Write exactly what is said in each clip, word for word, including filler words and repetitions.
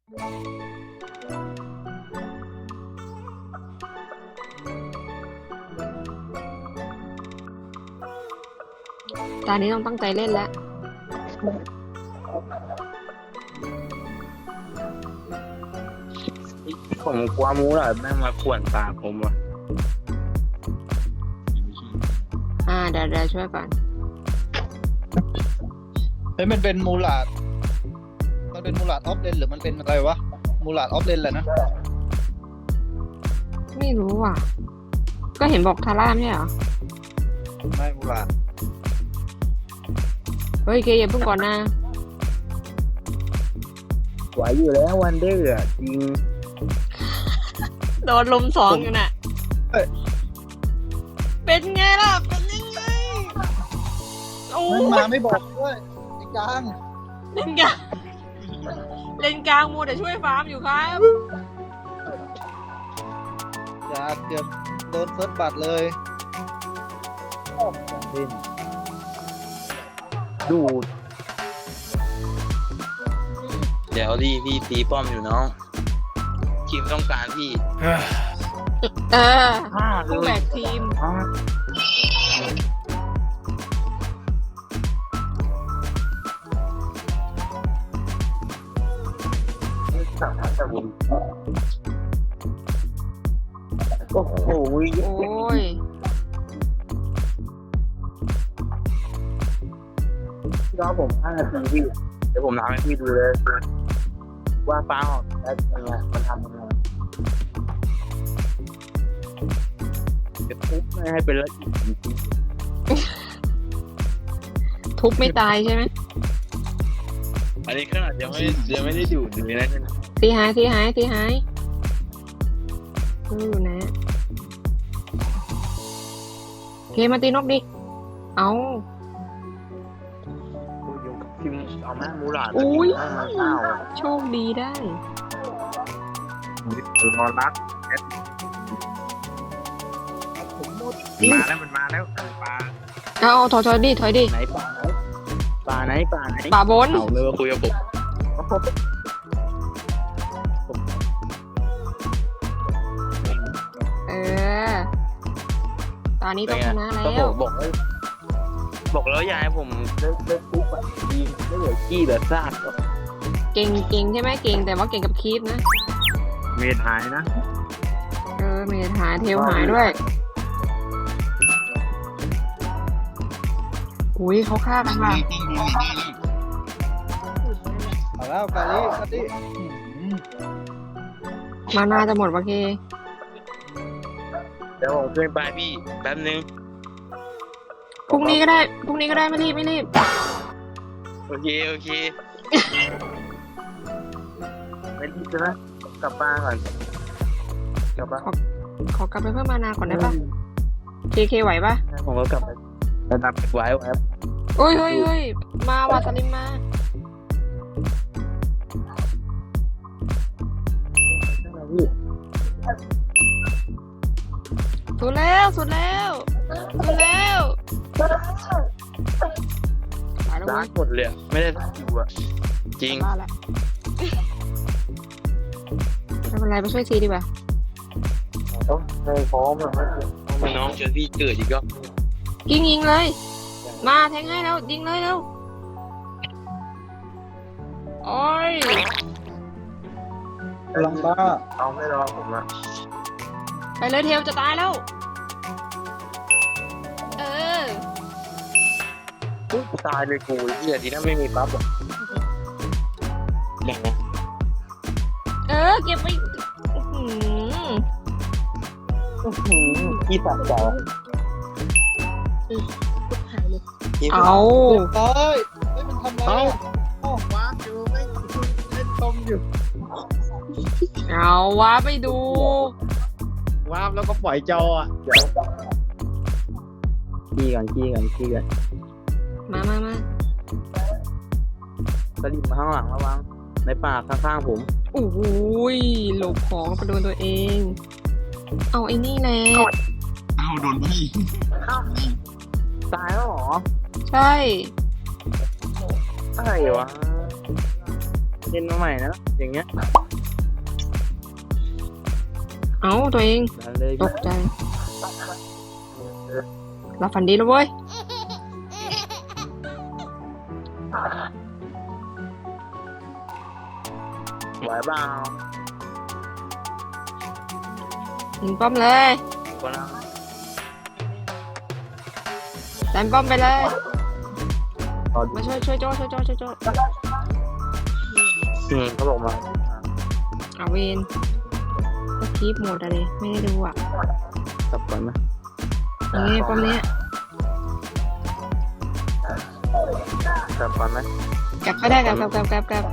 ตอนนี้ต้องตั้งใจเล่นแล้วผมกลัวมูหลาดแม่งมาข่วนปากผมว่ะอ่าเดี๋ยวเดี๋ยวช่วยก่อนเฮ้ยมันเป็นมูลาดมันเป็นมูลาดออฟเลนหรือมันเป็นอะไรวะมูลาดออฟเลนแหละนะไม่รู้ว่ะ ก็เห็นบอกทาร่าไม่ใช่เหรอไม่มูลาดเฮ้ยเกย์อย่าเพิ่งก่อนนะไหวอยู่แล้ววันเดอร์อ่ะจริงโดนลมสองอยู่น่ะเป็นไงล่ะ เป็นยังไงโอ้มันมาไม่บอกด้วยไอ้กลางเล่นกลางเล่นกลางมัวแต่ช่วยฟาร์มอยู่ครับอย่าเกือบโดนเฟิร์สบัตรเลยดูดเดี๋ยวดีพี่ตีป้อมอยู่น้องทีมต้องการพี่เออห้าเลผู้แบยกทีมห้าโอ้โหโอ้ยรอผมห้านาทีพี่เดี๋ยวผมทำให้พี่ดูเลยว่าฟ้าออกได้ยังไงมันทำยังไงจะทุบไม่ให้เป็นละเอียดจริงทุบไม่ตายใช่ไหมๆอันนี้ขนาดยังไม่ยังไม่ได้ดูดเลยนะตีหายตีหายตีหายดูอยู่นะเคมาตีนกดิ เอากูอยู่กับพิมพ์เอาแม่มูหลาดอุ้ยห้าเก้าโชคดีได้ตัวนอนรักมาแล้วมันมาแล้วปลาเอาเอาถอยถอยดิถอยดิไหนปลาไหนปลาไหนปลาไหนป่าบนเอาเลยมาคุยกับผมเออ ตอนนี้ต้องชนะแล้ก็บอวกบอกเลยบอกแล้วยายผมเลิกเลิกปุ๊บอะดีไม่เหลือขี้เหลือซากเก่งเก่งใช่ไหมเก่งแต่ว่าเก่งกับคีปนะเมทหายนะเออเมทหายเทลหายด้วย อุ้ยเขาฆ่ากันว่ะเอาแล้วกาลิกาลิมานาจะหมดวะเคเดี๋ยวผมขึ้นไปพี่แป๊บนึงพรุ่งนี้ก็ได้ พรุ่งนี้ก็ได้ไม่รีบไม่รีบโอเคโอเคไม่รีบนะกลับบ้านก่อนกลับบ้านขอกลับไปเพิ่มมานาก่อนได้ปะเคเคไหวปะผมก็กลับไประดับไว้ไว้โอ้ยเฮ้ยเฮ้ยมาว่ะสลิมมาพี่สุดแล้วสุดแล้วสุดแล้วไปแล้วร้าเว้นยหมดเลยอะไม่ได้ร้านอยู่อ่ะจริงบ้าละไม่เป็นไรไปช่วยซีดีกว่าต้องในพร้อมอะไม่น้องเจอพี่เกิดอีกก็ยิงยิงเลย มาแทงให้แล้วยิงเลยเร็วโอ้ยกำลังบ้าเอาไม่รอผมอ่ะไปเลยเทลจะตายแล้ว เอออุ๊ยตายเลยกูเหี้ยดีนะไม่มีปั๊บอ่ะแหม่งเออเก็บไปอื้อหืออื้อหือพี่ตัดเจ้าเอาเฮ้ยเฮ้ยมันทำอะไรเอ้าอะโอ้ว้าอยู่ไม่เล่นตมอยู่เอาวะไปดูว้าบแล้วก็ปล่อยจออ่ะเดี๋ยวขี้กันขี้กันขี้กันมามามาสลิมมาข้างหลังระวังในป่าข้างๆผมโอ้ยหลบของไปโดนตัวเอง เอาไอ้นี่แหละเอาโดนพี่ตายแล้วเหรอใช่อะไรวะเจล่นมาใหม่นะอย่างเงี้ยเอาตัวเองดันเลยตกใจหลับฝันดีแล้วเว้ยไหวเปล่ายิงป้อมเลยคนละดันป้อมไปเลยตอนมาช่วยช่วยโจ้ช่วยโจ้ช่วยโจ้อืมเขาบอกมาเอาเวนก็คลิปหมดอะไรไม่ได้ดูอ่ะกลับก่อนนะยังไงป้อมเนี้ยกลับก่อนไหมกลับก็ได้กลับกลับกลับกลับกลับ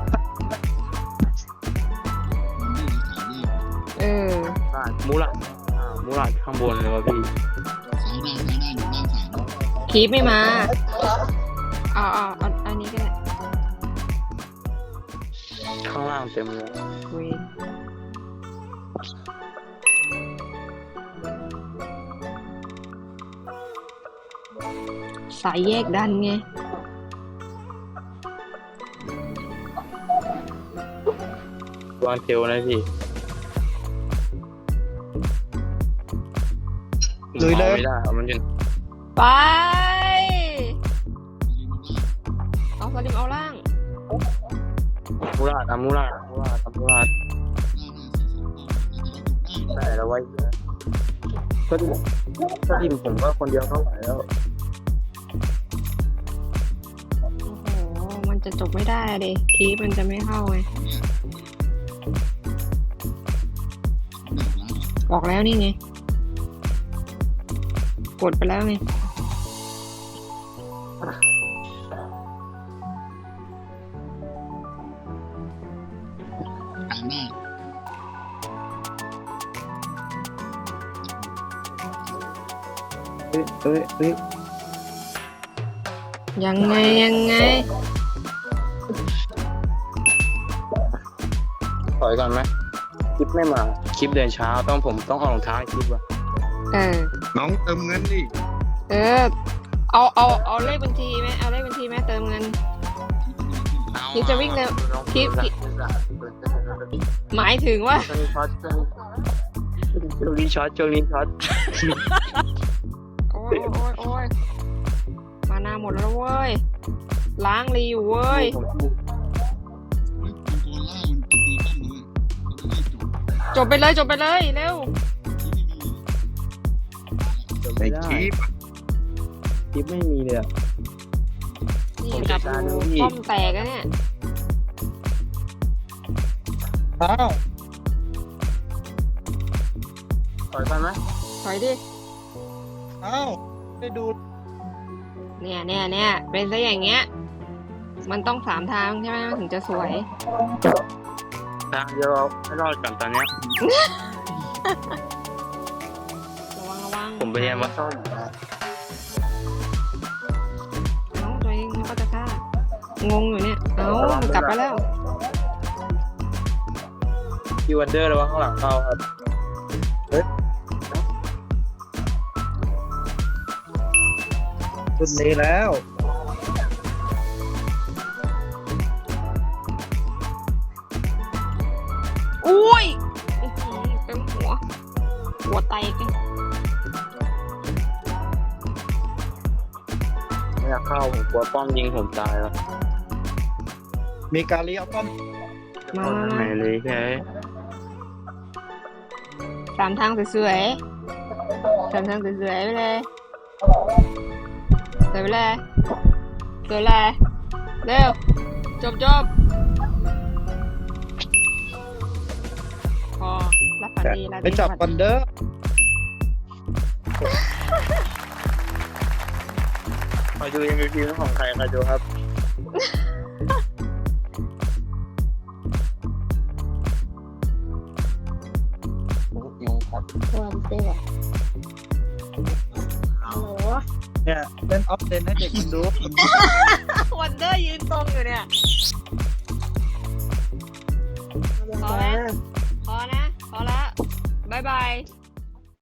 เออได้มูลาอ่ามูลาข้างบนเลยวะพี่คลิปไม่มาเอาเอาเอาอันนี้ก็ได้ข้างล่างเต็มเลยเวนสายแยกดันไงวางเทลนะพี่ลุยเลยไม่ได้เอามันอยู่ไปเอาสลิมเอาล่างมูลาทำมูลามูลาทำมูลาได้แล้วไว้ก็ดิก็ดิผมก็คนเดียวเท่าไหร่แล้วโอ้โหมันจะจบไม่ได้เลยคลิปมันจะไม่เข้าไงออกแล้วนี่ไงกดไปแล้วไงเฮ้ยเฮ้ยเฮ้ยยังไงยังไงถอยก่อนไหมคลิปไม่มาคลิปเดินเช้าต้องผมต้องเอารองเท้าให้คลิปว่ะเออน้องเติมเงินดิเออ เอาเอาเอาเลขบัญชีไหมเอาเลขบัญชีไหมเติมเงิน คลิปจะวิ่งเร็วคลิปคลิป หมายถึงว่าช่วงนี้ช็อตช่วงนี้ช็อตช่วงนี้ช็อตโอ้ยโอ้ยโอ้ยมานาหมดแล้วเว้ย ล้างรีอยู่เว้ย จบไปเลยจบไปเลยเร็วไอคลิปคลิปไม่มีเลยอะนี่ผมกลัจับดการดูดูพี่ป้อมแตกแล้วเนี่ยอ้าวถอยก่อนไหมถอยดิอ้าวได้ดูเนี่ยเนี่ยเนี่ยเป็นซะอย่างเงี้ย มันต้องสามทางใช่ไหมมันถึงจะสวยทางเดียวเอาให้รอดก่อนตอนเนี้ยระวังระวังผมไปเรียนมาซ่อมเอ้าตัวเองมันก็จะฆ่างงอยู่เนี่ย เอ้ากลับไปแล้วคิววันเดอร์ระวังข้างหลังเข้าครับสุดนี้แล้วอุ้ยอื้อหือเต็มหัว หัวไตกันไม่อยากเข้าผมกลัวป้อมยิงผมตายแล้วมีการเลี้ยวป้อมมามาไหนมาเลยแค่สามทางสวยๆสามทางสวยๆไปเลยสวยไปเลยสวยเลยเร็ว จบจบพอรับฝันดีรับไปจับฝัวันเดอร์คอยดู เอ็ม วี พี ของใครคอยดูครับวันเต้อะฮัลโหลเนี่ยเล่นออฟเลนให้เด็กมันดูวันเดอร์ยืนตรงอยู่เนี่ย พอไหมพอนะ พอละบายบาย